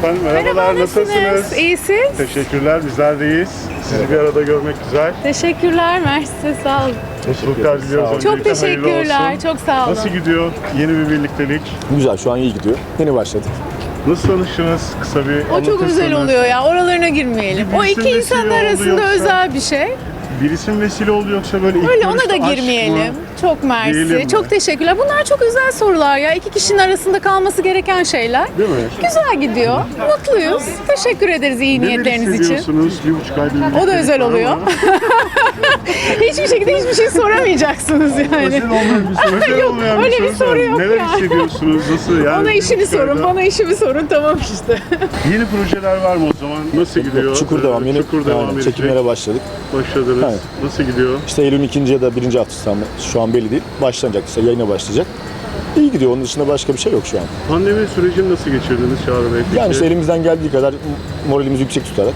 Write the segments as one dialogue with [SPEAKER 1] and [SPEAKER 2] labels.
[SPEAKER 1] Efendim merhabalar, nasılsınız?
[SPEAKER 2] İyisiniz.
[SPEAKER 1] Teşekkürler, bizler de iyiyiz. Sizi bir arada görmek güzel.
[SPEAKER 2] Teşekkürler, mersi, sağ olun.
[SPEAKER 1] Mutluluklar diliyoruz.
[SPEAKER 2] Çok
[SPEAKER 1] Öncelikle hayırlı
[SPEAKER 2] teşekkürler,
[SPEAKER 1] olsun.
[SPEAKER 2] çok sağ olun.
[SPEAKER 1] Nasıl gidiyor yeni bir birliktelik?
[SPEAKER 3] Güzel, şu an iyi gidiyor. Yeni başladık.
[SPEAKER 1] Nasıl tanıştınız? Kısa bir
[SPEAKER 2] O çok güzel
[SPEAKER 1] anlatırsanız.
[SPEAKER 2] oluyor ya, oralarına girmeyelim. O
[SPEAKER 1] Birisi
[SPEAKER 2] iki
[SPEAKER 1] vesile
[SPEAKER 2] insanın
[SPEAKER 1] oldu
[SPEAKER 2] arasında
[SPEAKER 1] yoksa-
[SPEAKER 2] özel bir şey.
[SPEAKER 1] Birisi mi vesile oldu yoksa böyle ilk
[SPEAKER 2] Öyle ona
[SPEAKER 1] görüşte
[SPEAKER 2] da
[SPEAKER 1] aşk mı?
[SPEAKER 2] girmeyelim. Çok mersi,
[SPEAKER 1] Diyelim mi?
[SPEAKER 2] çok teşekkürler. Bunlar çok özel sorular ya. İki kişinin arasında kalması gereken şeyler.
[SPEAKER 1] Değil mi?
[SPEAKER 2] Güzel gidiyor, mutluyuz. Teşekkür ederiz iyi
[SPEAKER 1] Neler
[SPEAKER 2] niyetleriniz için.
[SPEAKER 1] hissediyorsunuz? 1,5 aydır birliktelik
[SPEAKER 2] O da özel
[SPEAKER 1] var
[SPEAKER 2] oluyor.
[SPEAKER 1] ama
[SPEAKER 2] Hiçbir şekilde hiçbir şey soramayacaksınız yani.
[SPEAKER 1] Özel olmayan bir soru. Özel
[SPEAKER 2] Yok,
[SPEAKER 1] olmayan
[SPEAKER 2] öyle bir
[SPEAKER 1] soru.
[SPEAKER 2] soru yok
[SPEAKER 1] Neler
[SPEAKER 2] ya.
[SPEAKER 1] hissediyorsunuz? Nasıl yani?
[SPEAKER 2] Bana işini
[SPEAKER 1] 1,5
[SPEAKER 2] sorun,
[SPEAKER 1] ayda-
[SPEAKER 2] bana işimi sorun, tamam işte.
[SPEAKER 1] Yeni projeler var mı o zaman? Nasıl gidiyor?
[SPEAKER 3] Çukur devam. Yeni
[SPEAKER 1] Çukur devam
[SPEAKER 3] aynen,
[SPEAKER 1] edecek.
[SPEAKER 3] çekimlere başladık.
[SPEAKER 1] Başladınız.
[SPEAKER 3] Evet.
[SPEAKER 1] Nasıl gidiyor?
[SPEAKER 3] İşte Eylül'ün ikinci ya da birinci haftası tam şu an belli değil. Başlanacak, işte yayına başlayacak. İyi gidiyor. Onun dışında başka bir şey yok şu an.
[SPEAKER 1] Pandemi sürecini nasıl geçirdiniz Çağrı Bey? Peki,
[SPEAKER 3] Yani işte elimizden geldiği kadar moralimizi yüksek tutarak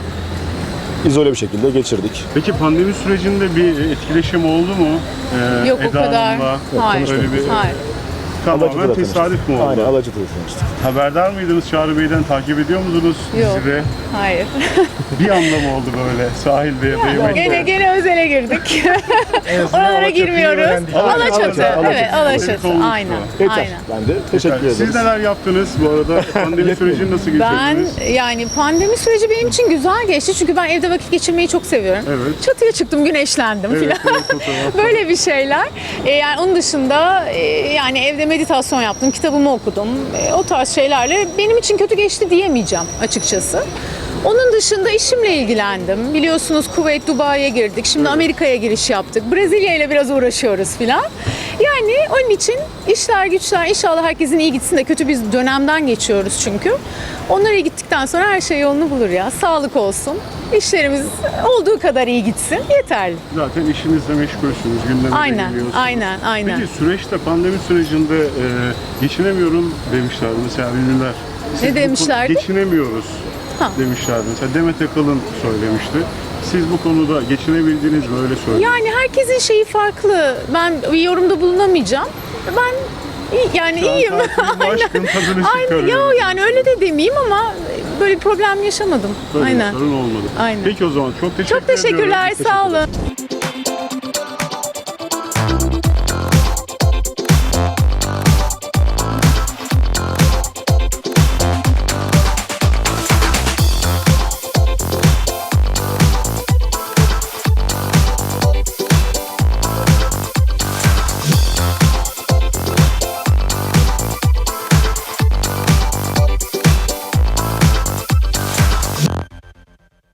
[SPEAKER 3] izole bir şekilde geçirdik.
[SPEAKER 1] Peki pandemi sürecinde bir etkileşim oldu mu?
[SPEAKER 2] Yok o
[SPEAKER 1] Eda
[SPEAKER 2] kadar.
[SPEAKER 1] Hanım'la?
[SPEAKER 2] Hayır.
[SPEAKER 1] Öyle bir
[SPEAKER 2] Hayır.
[SPEAKER 1] tamamen
[SPEAKER 3] Alacı'da
[SPEAKER 1] tesadüf mü oldu?
[SPEAKER 3] Aynen, Alacı'da tanıştık.
[SPEAKER 1] Haberdar mıydınız Çağrı Bey'den? Takip ediyor musunuz
[SPEAKER 2] Yok.
[SPEAKER 1] dizide?
[SPEAKER 2] Hayır.
[SPEAKER 1] Bir anda mı oldu böyle sahilde ya da yemekte?
[SPEAKER 2] Gene özele girdik. Oralara girmiyoruz. Alaçatı.
[SPEAKER 3] Alaçatı.
[SPEAKER 2] Evet, Alaçatı.
[SPEAKER 1] Alaçatı.
[SPEAKER 2] Aynen.
[SPEAKER 3] Yeter.
[SPEAKER 2] Aynen.
[SPEAKER 3] Ben de teşekkür ederiz.
[SPEAKER 1] Siz neler yaptınız bu arada? Pandemi sürecini nasıl
[SPEAKER 2] Ben
[SPEAKER 1] geçirdiniz?
[SPEAKER 2] yani pandemi süreci benim için güzel geçti çünkü ben evde vakit geçirmeyi çok seviyorum.
[SPEAKER 1] Evet.
[SPEAKER 2] Çatıya çıktım, güneşlendim
[SPEAKER 1] Evet,
[SPEAKER 2] filan.
[SPEAKER 1] evet, fotoğraf.
[SPEAKER 2] Böyle bir şeyler. Yani onun dışında yani evde meditasyon yaptım, kitabımı okudum. O tarz şeylerle benim için kötü geçti diyemeyeceğim açıkçası. Onun dışında işimle ilgilendim. Biliyorsunuz Kuveyt, Dubai'ye girdik. Şimdi Amerika'ya giriş yaptık. Brezilya ile biraz uğraşıyoruz filan. Yani onun için işler güçler inşallah herkesin iyi gitsin de kötü bir dönemden geçiyoruz çünkü. Onlar iyi gittikten sonra her şey yolunu bulur ya. Sağlık olsun. İşlerimiz olduğu kadar iyi gitsin. Yeterli.
[SPEAKER 1] Zaten işinizle meşgulsünüz, gündeme de
[SPEAKER 2] Aynen,
[SPEAKER 1] geliyorsunuz.
[SPEAKER 2] aynen.
[SPEAKER 1] Peki süreçte, pandemi sürecinde geçinemiyorum demişler mesela ünlüler. Siz bu
[SPEAKER 2] demişlerdi?
[SPEAKER 1] Geçinemiyoruz
[SPEAKER 2] Ha.
[SPEAKER 1] demişlerdi. Mesela Demet Akalın söylemişti. Siz bu konuda geçinebildiniz mi, öyle söyleyin.
[SPEAKER 2] Yani herkesin şeyi farklı. Ben bir yorumda bulunamayacağım. Ben yani
[SPEAKER 1] Şu an
[SPEAKER 2] iyiyim.
[SPEAKER 1] tatilin aşkın tadını
[SPEAKER 2] Aynen.
[SPEAKER 1] çıkarıyorum.
[SPEAKER 2] Yo yani öyle de demeyeyim ama böyle bir problem yaşamadım.
[SPEAKER 1] Böyle bir
[SPEAKER 2] Aynen.
[SPEAKER 1] sorun olmadı.
[SPEAKER 2] Aynen.
[SPEAKER 1] Peki o zaman çok teşekkür
[SPEAKER 2] Çok teşekkürler.
[SPEAKER 1] ediyorum.
[SPEAKER 2] Sağ olun.